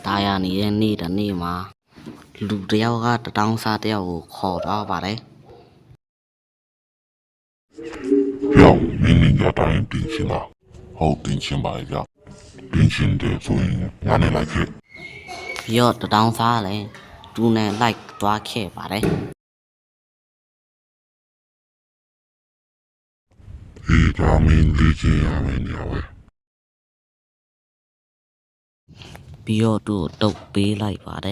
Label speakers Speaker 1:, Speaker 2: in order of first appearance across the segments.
Speaker 1: တာယာနေတဲ့နေ့တစ်နေ့မှာလူတယောက်ကတထောင်စားတယောက်ကိုခေါ်သွားပါတယ်
Speaker 2: 要明年要答应定亲了，好定亲吧要，定亲的所以俺们来去，
Speaker 1: ပြီးတော့တထောင်စားလည်းသူနဲ့လိုက်သွားခဲ့ပါတယ်
Speaker 2: 一家民理解俺们了喂，
Speaker 1: ပြီးတော့သူ့ကိုတုတ်ပေးလိုက်ပါတယ်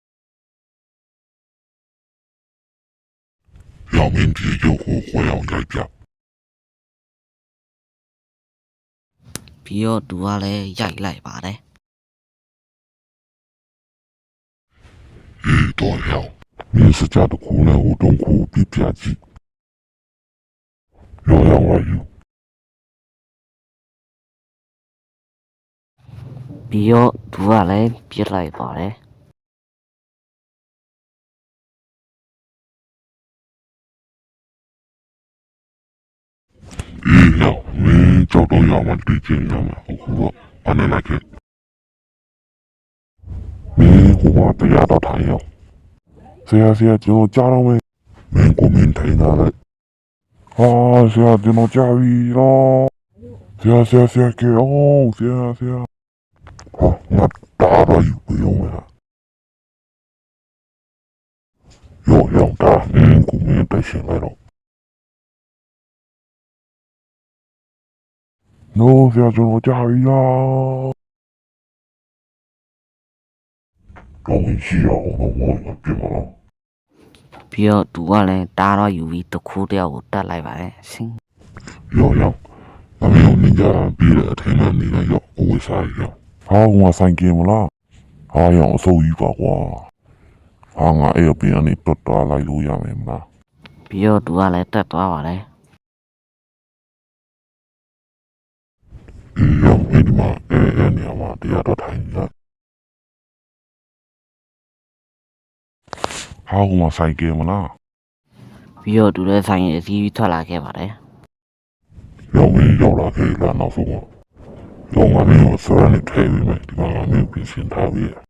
Speaker 2: 要明天就和我要来家，
Speaker 1: ပြီးတော့သူကလည်းရိုက်လိုက်ပါတယ်
Speaker 2: 一多要，你是家的苦难我痛苦比偏激，要让我有，
Speaker 1: ပြီးတော့သူကလည်းပြစ်လိုက်ပါတယ်
Speaker 2: 一要你找到要么理解要么好苦俺们来去，你我不要到太阳，谁呀就家长们，民国民太难了。啊，谁就能驾驭咯？谁给哦，谁好，那打了又不用了，又要打，国民带起来了。喏，谁就能驾驭啦？我们需要我怎么了？
Speaker 1: ပြီးတော့သူကလည်းတားတော့ယူပြီးတစ်ခုတယောက်ကိုတတ်လိုက်ပါတယ်ရှင်
Speaker 2: 要，咱们有人家比了，他们那个要，我为啥要？啊，我三件么啦？啊，要收一把哇！啊，我哎呀，别人你多大来路呀没啦？
Speaker 1: ပြီးတော့သူကလည်းတက်သွားပါတယ်
Speaker 2: 要没的嘛，你嘛，底下都谈一下。啊，我三件么啦？
Speaker 1: ပြီးတော့သူလည်းဆိုင်ရင်အစည်းအဝေးထွက်လာခဲ့ပါတယ်
Speaker 2: 要没要了可以来闹说我，要我没有虽然你退位没，地方我没有变心态位。